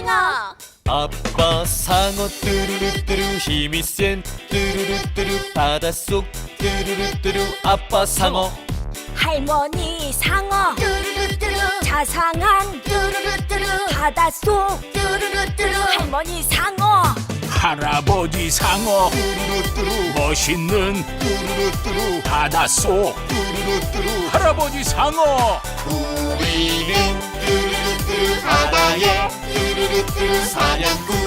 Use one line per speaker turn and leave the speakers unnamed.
상어.
아빠 상어 뚜루루뚜루 힘이 센 뚜루루뚜루 바닷속 뚜루루뚜루 아빠 상어.
할머니 상어.
뚜루루뚜루
자상한
뚜루루뚜루
바닷속
뚜루루뚜루
할머니 상어.
할아버지 상어
뚜루루뚜루
멋있는
뚜루루뚜루
바닷속
뚜루루뚜루
할아버지 상어.
우리는 뚜루루뚜루 바다의 뚜루루뚜루 사냥꾼